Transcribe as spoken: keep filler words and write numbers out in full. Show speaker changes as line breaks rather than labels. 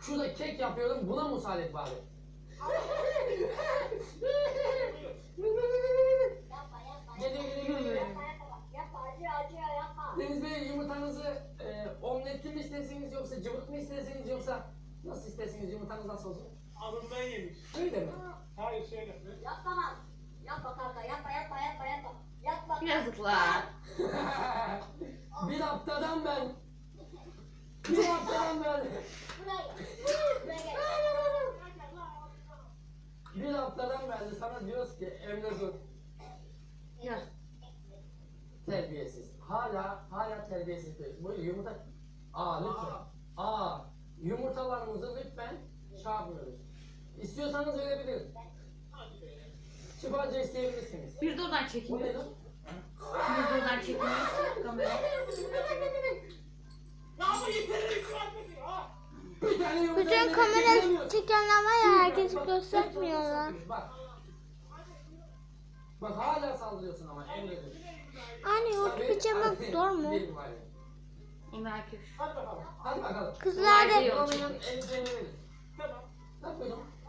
Şurada kek yapıyorum, buna müsaade bari.
Yapma yapma.
Geliyor geliyor geliyor.
Yapma yapma. Yapma acıyor acıyor yapma.
Deniz Bey, yumurtanızı e, omletli mi istersiniz yoksa cıvık mı istersiniz yoksa nasıl istersiniz, yumurtanız nasıl olsun?
Alından yemiş.
Öyle mi?
Hayır şöyle.
Yapma lan. Yapma kanka yapma yapma yapma yapma. Yapma.
Yazıklar.
Bir haftadan ben, bir haftadan ben,
Buraya gel. Buraya gel.
bir haftadan beri sana diyoruz ki Emre dur,
Ya.
terbiyesiz. Hala, hala terbiyesiz. Bu yumurta, aa lütfen, aa yumurtalarımızı lütfen çarpmıyoruz. İstiyorsanız verebilirim. Şifacı isteyebilirsiniz.
Bir de oradan
Bu
çekmiyor.
nedir?
Bir de oradan çekmiyor. Kamera.
Ya ama yeterli şu an dedi ha.
Bir tane yumurta
Bütün
yemek
kamera
yiyemiyorsun.
çekenler var ya, herkesi
Bak,
göstermiyorlar.
Bak. Bak hala saldırıyorsun ama Emre'dir.
Anne YouTube çekmek zor mu?
Değil var ya.
Emre Akif.
Hadi bakalım.
Hadi bakalım.
Kızlar da
Kolay değil.
Olmayan elbiselerini verin.
Tamam.
Ne yapıyordum?